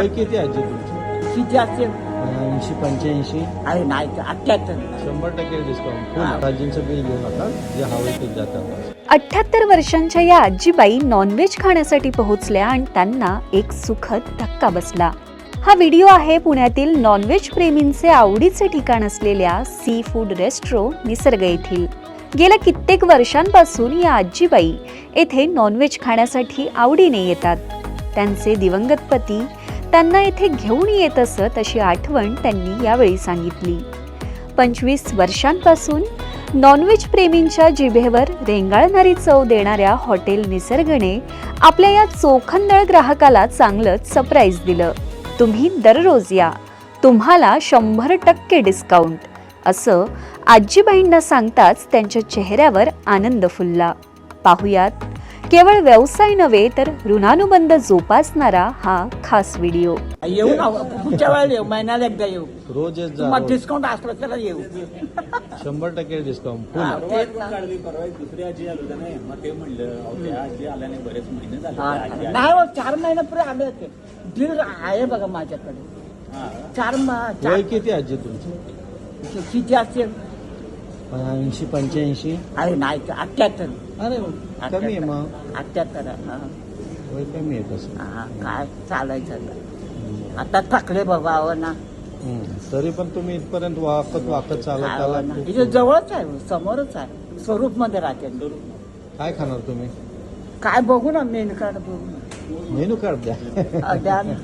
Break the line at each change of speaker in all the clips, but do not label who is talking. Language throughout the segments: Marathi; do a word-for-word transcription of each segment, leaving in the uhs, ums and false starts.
वय किती आजी तुमचं?
किती असेल?
ऐंशी पंच्याऐंशी.
अरे नाही अठ्ठ्याहत्तर.
शंभर टक्के डिस्काउंट. आजींचं बिल घेऊ नका, जे हवं ते जातात.
अठ्ठ्याहत्तर वर्षांच्या या आजीबाई नॉनव्हेज खाण्यासाठी पोहोचल्या आणि त्यांना एक सुखद धक्का बसला. हा व्हिडिओ आहे पुण्यातील नॉनव्हेज प्रेमींचे आवडीचे ठिकाण असलेल्या सी फूड रेस्ट्रो निसर्ग येथील. गेल्या कित्येक वर्षांपासून या आजीबाई येथे नॉनव्हेज खाण्यासाठी आवडीने येतात. त्यांचे दिवंगत पती त्यांना येथे घेऊन येत असत अशी आठवण त्यांनी यावेळी सांगितली. पंचवीस वर्षांपासून नॉनव्हेज प्रेमींच्या जिभेवर रेंगाळणारी चव देणाऱ्या हॉटेल निसर्गने आपल्या या चोखंदळ ग्राहकाला चांगलंच सरप्राईज दिलं. तुम्ही दररोज या, तुम्हाला शंभर टक्के डिस्काउंट, असं आजीबाईंना सांगताच त्यांच्या चेहऱ्यावर आनंद फुलला. पाहुयात केवळ व्यवसाय नव्हे तर ऋणानुबंध जोपासणारा हा खास व्हिडिओ.
येऊ ना, पुढच्या वेळेला येऊ, महिन्याला एकदा येऊ.
रोज येत जा,
मग
रोज.
डिस्काउंट असलं तर येऊ.
शंभर टक्के डिस्काउंट.
हा, तेच ना.
दुसरी आजी आलो होत्या नाही, मग ते म्हणलं अहो, त्या आजी आल्याने बरेच महिने झाले.
हा,
त्या आजी
नाही हो, चार महिन्यापूर्वी आले होते. बिल आहे बघा माझ्याकडे. चार म-
वय
चार
किती आजी तुमचं?
किती असेल?
ऐंशी पंच्याऐंशी.
अरे नाही अठ्ठ्याहत्तर.
अरे कमी आहे मग.
अठ्ठ्याहत्तर. हा.
वय कमी आहे तसं.
हा, काय चालायचं आता. आता थकले बाबा अहो ना.
हम्म. तरी पण तुम्ही इथपर्यंत वाकत वाकत चालत
अहो
आला.
ना. इथे जवळच आहे, समोरच आहे. स्वरूप मध्ये राहते.
काय खाणार तुम्ही?
काय बघू ना, मेनू कार्ड बघू ना.
मेनू कार्ड द्या.
अ, द्या ना.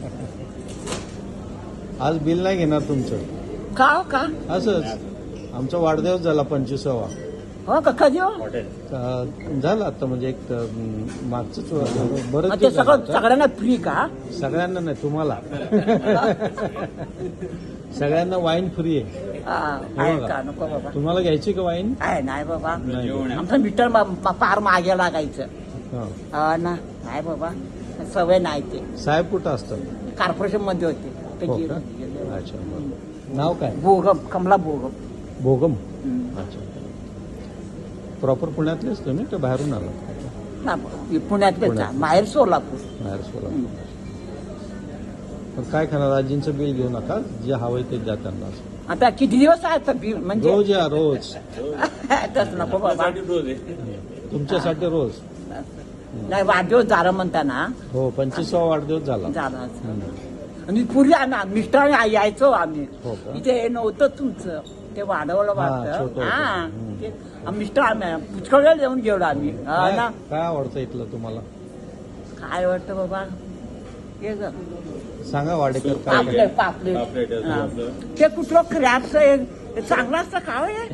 आज बिल नाही घेणार तुमचं.
का हो, का
असंच आमचा वाढदिवस झाला पंचवीसावा.
हो का, कधी हो?
हॉटेल
अं, झाला आता म्हणजे एक अं, मागचंच बरंच
मग ते
दिवस झाला
सगळं
आता.
सगळ्यांना फ्री का?
सगळ्यांना नाही, तुम्हाला. सगळ्यांना वाईन फ्री आहे.
हा, आहे का? नको बाबा.
तुम्हाला घ्यायची का वाईन?
आहे नाही बाबा.
नाही.
आमचं मीटर मा- मा- पार मागे लागायचं.
हा.
हा ना, नाही बाबा, सवय नाही. ते
साहेब कुठं असतात?
कॉर्पोरेशन मध्ये होते ते
हो
गेले.
का?
गेले.
अच्छा बरं. नाव काय?
भोगम, कमला भोगम.
भोगम.
हम्म.
अच्छा. प्रॉपर पुण्यातलेच तुम्ही का बाहेरून आला?
ना, पुण्यातलेच
पुण्यात.
आहे. माहेर सोलापूर.
बाहेर सोला. पण काय खाणार? आजींचं बिल घेऊ नका, जे हवंय ते द्या त्यांना.
आता किती दिवस आहे तर बी- म्हणजे
रोज या, रोज.
तसं नको बाबा.
रोज आहे.
तुमच्यासाठी रोज.
नाही, वाढदिवस झाला म्हणताना
हो, पंचवीसवा वाढदिवस झाला.
झाला.
हम्म.
आणि पूर्वी आम्ही मिस्टर यायचो आम्ही.
हो का?
इथे हे नव्हतं तुमचं, ते वाढवलं
हा, छोटं
वाटतं.
होतं.
हा,
हम्म.
ते आम्ही मिस्टर आम्ही पुष्कळ वेळ येऊन गेलो आम्ही. हा
काय
ना.
काय आवडतं इथलं तुम्हाला?
काय वाटतं बाबा, हे ग,
सांगा वाडेकर काय
पापलेट पापलेट.
पापलेट असं
हा.
आपलं.
ते कुठलं क्रॅबचं हे चांगलं असतं का हो हे?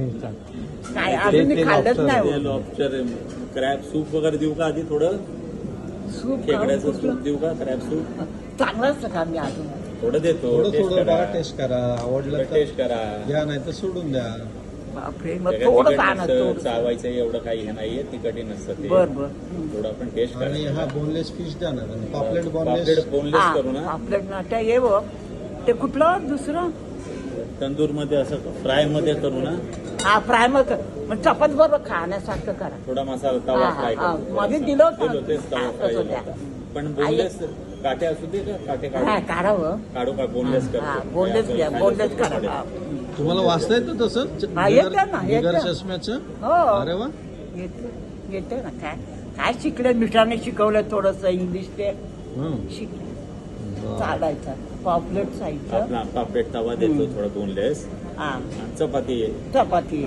काय अजून मी
ते
खाल्लंच
lobster.
नाही
ते
हो.
लॉबस्टर क्रॅब सूप वगैरे देऊ का आधी? थोडं
सूप का?
खेकड्याचं
कुठलं?
सूप देऊ का? क्रॅब सूप
चांगलं असतं का मी अजून?
थोडं देतो.
थोडं
टेस्ट
थोडं
करा.
बघा, टेस्ट करा. आवडलं तर
टेस्ट करा.
घ्या, नाही तर सोडून द्या.
बापरे, मग
सगळं
थोडं
तिखट
आणत
नसतं,
थोडं.
चावायचं एवढं काही हे नाहीये, तिखटही नसतं ते.
बर बर.
थोडं आपण टेस्ट
आणि हा
करा.
बोनलेस फिश द्या ना. पॉपलेट
पापलेट
बोनलेस.
बोनलेस करू ना.
पापलेट ना, ते ये बघ. ते कुठलं दुसरं?
तंदूर मध्ये असं फ्राय मध्ये करू ना.
हा, फ्राय मग मग चपात बरोबर खाण्यासारखं करा.
थोडा मसाला तवा
हा,
फ्राय
हा,
करू.
मध्ये दिलं होतं.
दिलं, तेच तवा
हा,
फ्राय
तसं
केलं
द्या.
होतं. पण बोनलेस काटे असू दे का? काटे
हा,
काढू
काढावं.
काढू का? बोनलेस
हा,
करतो.
बोनलेस घ्या,
खायला
बोनलेस
सोपं
करा.
पडेल.
हा.
तुम्हाला वाचता येतं तसं?
हा, येतं ना, येतं.
बिगर चष्म्याचं?
हो.
अरे वा.
येते येते ना. काय काय शिकले, मिस्टरांनी शिकवलं थोडस इंग्लिश, ते
हं.
शिकले.
बरं.
चालायचं. पॉपलेट साईडचं.
आपला पापलेट तवा देतो थोडा बोनलेस.
हा,
आणि चपाती आहे.
चपाती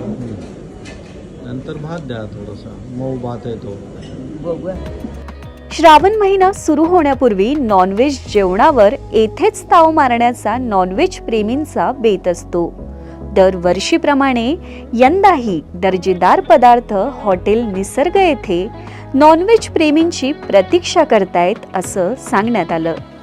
नंतर भात द्या, थोडासा मऊ भात आहे तो.
बघूया.
श्रावण महिना सुरू होण्यापूर्वी नॉनव्हेज जेवणावर येथेच ताव मारण्याचा नॉनव्हेज प्रेमींचा बेत असतो. दरवर्षीप्रमाणे यंदाही दर्जेदार पदार्थ हॉटेल निसर्ग येथे नॉनव्हेज प्रेमींची प्रतीक्षा करतायत असं सांगण्यात आलं.